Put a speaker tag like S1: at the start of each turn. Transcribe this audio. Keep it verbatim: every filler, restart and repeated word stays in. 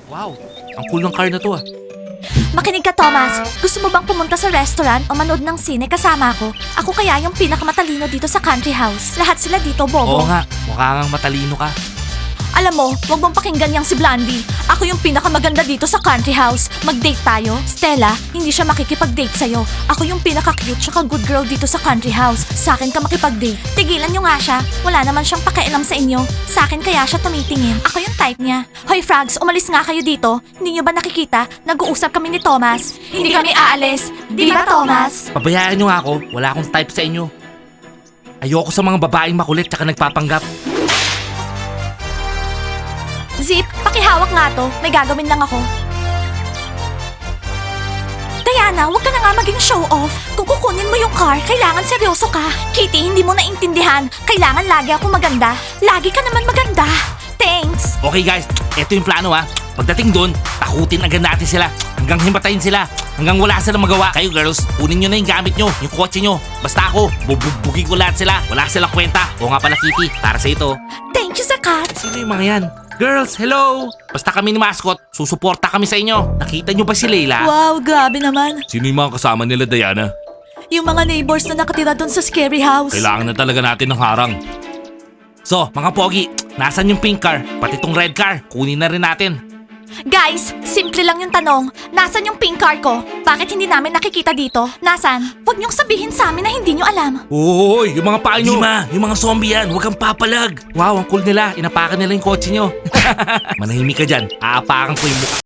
S1: Wow, ang cool ng car na to ah.
S2: Makinig ka, Thomas. Gusto mo bang pumunta sa restaurant o manood ng sine kasama ako? Ako kaya yung pinakamatalino dito sa country house. Lahat sila dito, bobo.
S1: Oo nga, mukha kang matalino ka.
S2: Alam mo, wag mong pakinggan yang si Blondie. Ako yung pinakamaganda dito sa country house. Mag-date tayo? Stella, hindi siya makikipag-date sa'yo. Ako yung pinaka-cute tsaka good girl dito sa country house. Sa akin ka makipag-date. Tigilan nyo nga siya. Wala naman siyang pakialam sa inyo. Sa akin kaya siya tumitingin. Ako yung type niya. Hoy frogs, umalis nga kayo dito. Hindi nyo ba nakikita? Nag-uusap kami ni Thomas. Hindi kami aalis. Di ba, Thomas?
S1: Pabayaan nyo nga ako, wala akong type sa inyo. Ayoko sa mga babaeng makulit tsaka nagpapanggap.
S2: Zip, pakihawak nga to. May gagawin lang ako. Diana, huwag ka na nga maging show off. Kung kukunin mo yung car, kailangan seryoso ka. Kitty, hindi mo naintindihan. Kailangan lagi ako maganda. Lagi ka naman maganda. Thanks.
S1: Okay guys, eto yung plano ha. Pagdating doon, takutin agad natin sila. Hanggang himatayin sila. Hanggang wala silang magawa. Kayo girls, kunin nyo na yung gamit nyo, yung kotse nyo. Basta ako, bubugin ko lahat sila. Wala silang kwenta. O nga pala Kitty, para sa ito.
S2: Thank you, Zakat.
S1: Sino yung mga yan? Girls, hello! Basta kami ni Mascot, susuporta kami sa inyo. Nakita nyo ba si Leila?
S2: Wow, grabe naman.
S1: Sino yung mga kasama nila, Diana?
S2: Yung mga neighbors na nakatira doon sa scary house.
S1: Kailangan na talaga natin ng harang. So, mga pogi, nasan yung pink car? Pati tong red car, kunin na rin natin.
S2: Guys, simple lang yung tanong. Nasaan yung pink car ko? Bakit hindi namin nakikita dito? Nasaan? Huwag niyong sabihin sa amin na hindi niyo alam.
S1: Hoy, yung mga paa nyo. Dima, yung mga zombie yan, huwag kang papalag. Wow, ang cool nila. Inapakan nila yung kotse nyo. Manahimik ka dyan. Aapakan ko yung mukha.